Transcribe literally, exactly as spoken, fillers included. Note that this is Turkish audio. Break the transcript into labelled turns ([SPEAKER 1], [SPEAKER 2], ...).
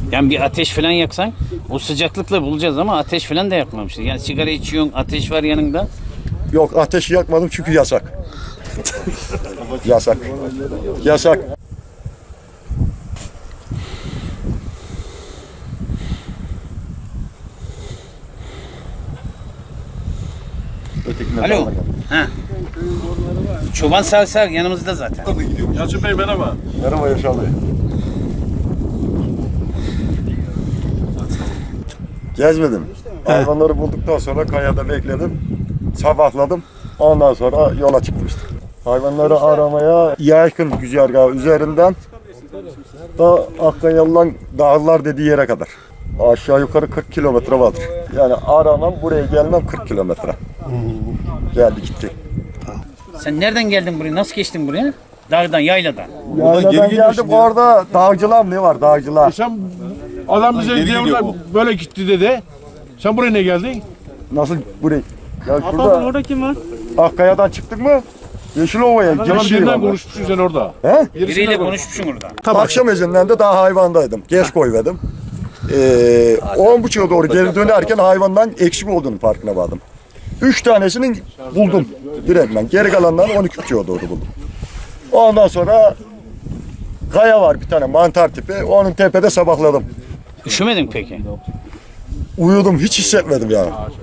[SPEAKER 1] Yani bir ateş falan yaksan o sıcaklıkla bulacağız ama ateş falan da yakmamışız. Yani sigara içiyorsun, ateş var yanında.
[SPEAKER 2] Yok, ateşi yakmadım çünkü yasak. Yasak. Yasak.
[SPEAKER 1] Alo. Ha. Çoban sağ sağ yanımızda zaten.
[SPEAKER 3] Yalçın Bey merhaba.
[SPEAKER 2] Merhaba Yaşar Bey. Gezmedim. Hayvanları bulduktan sonra kayada bekledim. Sabahladım. Ondan sonra yola çıktım işte. Hayvanları aramaya yakın güzergahı üzerinden da Akkayalı'dan dağlar dediği yere kadar. Aşağı yukarı kırk kilometre vardır. Yani aramam, buraya gelmem kırk kilometre. Geldi gitti.
[SPEAKER 1] Sen nereden geldin buraya? Nasıl geçtin buraya? Dağdan, yayladan.
[SPEAKER 2] Yayladan
[SPEAKER 3] geri
[SPEAKER 2] geldim,
[SPEAKER 3] geliyorsun ya.
[SPEAKER 2] orada dağcılar ne var, dağcılar.
[SPEAKER 3] Sen adam bize geri diye gidiyor orada böyle gitti dedi. Sen buraya ne geldin?
[SPEAKER 2] Nasıl buraya? Ya
[SPEAKER 4] Pardon,
[SPEAKER 2] şurada
[SPEAKER 4] orada kim var?
[SPEAKER 2] Akkaya'dan çıktık mı? Yeşilova'ya
[SPEAKER 3] Tamam
[SPEAKER 2] giriş yeri
[SPEAKER 3] birinden
[SPEAKER 2] var.
[SPEAKER 3] konuşmuşsun sen orada.
[SPEAKER 2] He?
[SPEAKER 1] Biriyle konuşmuşsun orada.
[SPEAKER 2] Akşam ezinden de daha hayvandaydım. Geç koymadım. Ee, on buçuğa doğru geri dönerken hayvandan eksik olduğunu farkına vardım. Üç tanesini buldum direktmen. Geri kalanlarını on iki buçuğa doğru buldum. Ondan sonra kaya var bir tane mantar tipi. Onun tepede sabahladım.
[SPEAKER 1] Üşümedin peki?
[SPEAKER 2] Uyudum, hiç hissetmedim yani.